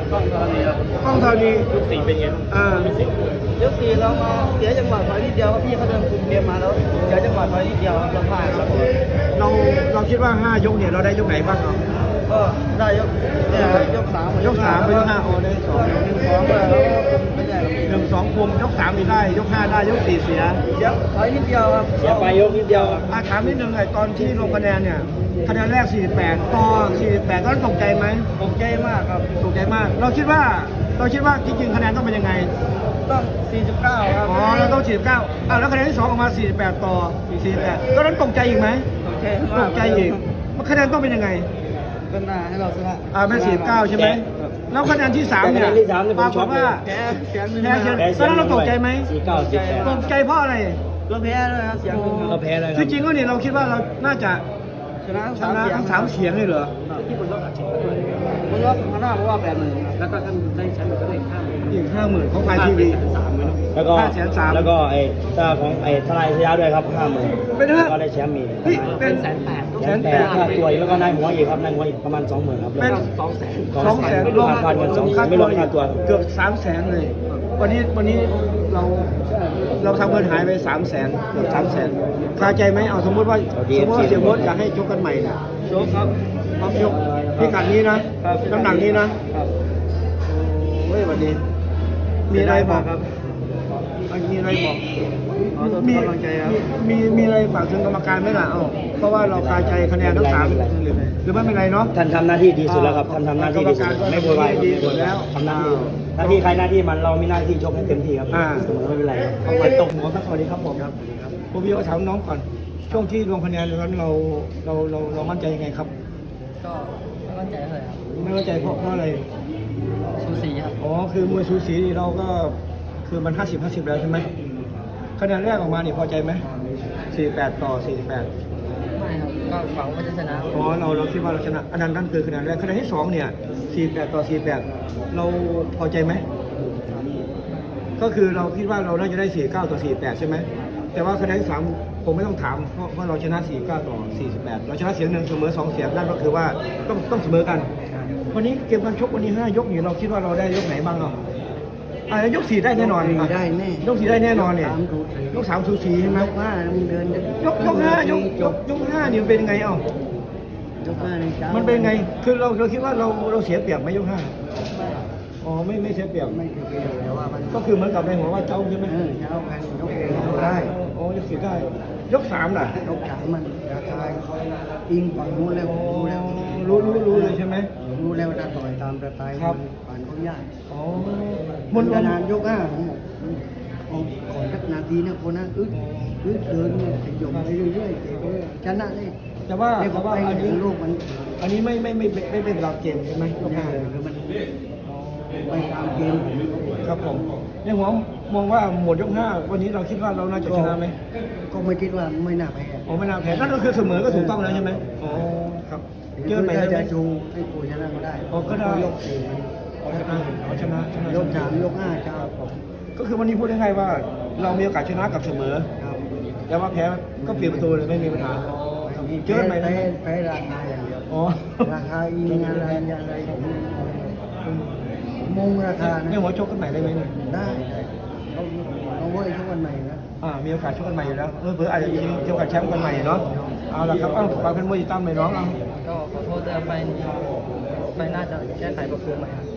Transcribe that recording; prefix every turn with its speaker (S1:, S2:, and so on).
S1: กล้องธรณีครับ
S2: กล้องธรณี
S1: ยกสี่เป็นไงยกสี่เรามาเสียจังหวะถอยนิดเดียวครับพี่เขาเดินคุมเกมมาแล้วเสียจังหวะถอยนิดเดียวครับเราพลาดครับ
S2: เราคิดว่า5ยกเนี่ยเราได้ยกไหนบ้างครับ
S1: ก็ได้ยกเนี่ยยกสาม
S2: ยก3ไปยก5อ๋อได้2
S1: 1-2แล้วเป็นไงครับ
S2: 1-2คุมยก3นี่ได้ยก5ได้ยก4เสีย
S1: เสียถอยนิดเดียวครับ
S3: เสียไปยกนิดเดียว
S2: ถามนิดนึงไอ้ตอนที่ลงคะแนนเนี่ยคะแนนแรก48ต่อ48ก็ตกใจไหม
S1: ตกใจมากครับ
S2: ตกใจมากเราคิดว่าจริงๆคะแนนต้องเป็นยังไง
S1: ต้อง49ครับ
S2: อ๋อเราต้อง49แล้วคะแนนที่2ออกมา48ต่อ48ก็นั้นตกใจอีกไหม
S1: ตกใจ
S2: ต
S1: มาก
S2: กใจอีกมันคะแนนต้องเป็นยังไง
S1: ก็น่าให้เราชนะ
S2: แม่49ใช่ไหมแล้วคะแนนที่3เนี่ย
S3: คะแนนที่3เนี่ยผม
S2: ปราก
S3: ช็อ
S2: ฏ
S3: ตเลย
S2: ว่า
S1: แพ้เสียงหนึ่ง
S2: แพ้เสียง
S3: แพ้
S2: ตอนนั้นเราตกใจไหม
S3: 49
S2: ตกใจเพราะอะไร
S1: เราแพ้ด้วยครับเสียงหนึ่ง
S3: เราแพ้เลยครั
S2: ที่
S3: บ
S2: จริงก็เนี่ยเราคิดว่าเราน่าจะ
S1: ชนะ
S2: ชนะทั้ง3เสียงเลยเหรอ
S1: ที่บนรถบนรถข้างหน้าเพราะว่า80,000แล้วก็ท่านได้แชมป์ก็ได้50,000
S2: อีก50,000ของไทยทีวี
S3: แล้วก็
S2: 530,000
S3: แล้วก็ไอ้ตาของไอ้ทนายชยะด้วยครับ50,000
S2: เป็นห้า
S3: ก็ได้แชมป์มี
S2: เฮ้ยเป็น
S3: 180,000ค่าตัวแล้วก็นายหัวอีกครับนายหัวอีกประมาณ 20,000ครับ
S2: เป็น
S3: 200,000ไม่รวมค่าเงิน200,000ไม่รวมค่าตัว
S2: เกือบ300,000เลยวันนี้เราทำเงินหายไป300,000เกือบ300,000คาใจไหมเอาสมมติว่าเสียโบ๊ทอยากให้ชกกันใหม่นะ
S1: โชคครับ
S2: พร้อมยกพิกัดนี้นะน้ำหนักนี้นะครับ เฮ้ยวันนี้มีอะไรบอก
S1: ครับ
S2: มีอะไรบอก
S1: ขอตัว
S2: มี
S1: กำลังใจครับ
S2: มีอะไรฝากถึงกรรมการไหมล่ะเพราะว่าเราคาใจคะแนนทั้ง3หรือไม่เป็นไรเนาะ
S3: ท่านทำหน้าที่ดีสุดแล้วครับท่านทำหน้าที่ดีสุดไม่โวยวาย
S2: ดีสุดแล้ว
S3: ทำหน้าที่หน้าที่ใครหน้าที่มันเรามีหน้าที่ชกให้เต็มที่ครับเสมอไม่เป็นไรครับ
S2: เอาไปตกหัวครับสวัสดีครับผมผมพี่ก็ถามน้องก่อน ช่วงที่ลงคะแนนนั้นเรามั่นใจยังไงครับ
S1: ก็ไม่มั่นใจเลยครับ
S2: ไม่มั่นใจเพราะอะไร
S1: สูสีครับ
S2: อ๋อคือมวยสูสีนี่เราก็คือมัน50-50แล้วใช่ไหมคะแนนแรกออกมานี่พอใจไหม48ต่อ48
S1: ไม่ครับก็หวังว่าจะชนะ
S2: อ๋อเราคิดว่าเราชนะอันนั้นคือคะแนนแรกคะแนนที่2เนี่ย48ต่อ48เราพอใจไหมก็คือเราคิดว่าเราน่าจะได้49ต่อ48ใช่ไหมแต่ว่าคะแนนที่3ผมไม่ต้องถามเพราะเราชนะ49ต่อ48เราชนะเสียงหนึ่งเสมอ2เสียงนั่นก็คือว่าต้องเสมอกันวันนี้เกมการชกวันนี้5ยกนี่เราคิดว่าเราได้ยกไหนบ้างยก4ได้แน่นอน
S1: ได้แน่
S2: ยก4ได้แน่นอนเนี่ยยก3สูสีใช่ไหม
S1: ยกห้ามึงเดินจะ
S2: ยก5ยก5นี่เป็นไง
S1: ยกห้าในเช้า
S2: มันเป็นไงคือเราคิดว่าเราเสียเปรียบไหมยก5อ๋อไม่เสียเปรียบ
S1: ไม่เกี่ยวแต่ว่ามัน
S2: ก็คือเหมือนกับในหัวว่าเจ้าใช่ไหม
S1: เช้ากันยกเองได้
S2: อ๋อยก4ได้ยก3ล่ะ
S1: ยกสามมันราคาอิงฝั่งนู้นแล้วรู้แล้ว
S2: รู้เลยใช่ไหม
S1: รู้แล้วจะต่อยตามสไตล์
S2: ครับ
S1: ผ่านเขายาก
S2: อ๋อ
S1: มันนานยกห้าผมบอกขอสักนาทีนะคนนั้นอึดเดินเนี่ยขยมไปเรื่อยๆชนะเลย
S2: แต่ว่า
S1: ไอ้บอก
S2: แต่ว่า
S1: ไป
S2: อันนี้
S1: โลกมัน
S2: อันนี้ไม่เป็นหลักเกมใช่ไหมยก
S1: ยาก
S2: 5
S1: เลยคือมันไปตามเกมผม
S2: ครับผมในหัวมองว่าหมดยก5วันนี้เราคิดว่าเราน่าจะชนะไหม
S1: ก็ไม่คิดว่าไม่น่าแพ้
S2: อ๋อไม่น่าแพ้นั่นก็คือเสมอก็ถูกต้องแล้วใช่ไหมอ๋อครับเจอใหม่ได้ไหม
S1: จะจูให้กูชนะก็ได้
S2: อ๋อก็ได้
S1: ยกสี่
S2: เอาชนะ
S1: ยกสามยกห้าจะผม
S2: ก็คือวันนี้พูดง่ายๆว่า เรามีโอกาสชนะกับเสมอ
S1: ครับ
S2: แต่ว่าแพ้ก็เปลี่ยนประตูเลยไม่มีปัญหาเจอใหม่ได้ไหม
S1: แพ้ราคาอย่างเดียว
S2: อ๋อ
S1: ราคาอิงอะไรผมมงราคา
S2: เนี่ยหัวชกกันใหม่ได้ไหมเนี่ย
S1: ได้เอาไว้ทุกวันใหม่นะ
S2: มีโอกาสชกกันใหม่อยู่แล้วเผื่ออาจจะมีโอกาสแชมป์กันใหม่เนาะเอาละครับฝากเป็นมวยติดตามหน่อยน้องเอา
S1: ก็ขอโทษด้วยไฟหน้าจะแก้ไขปรับปรุงใหม่ครับ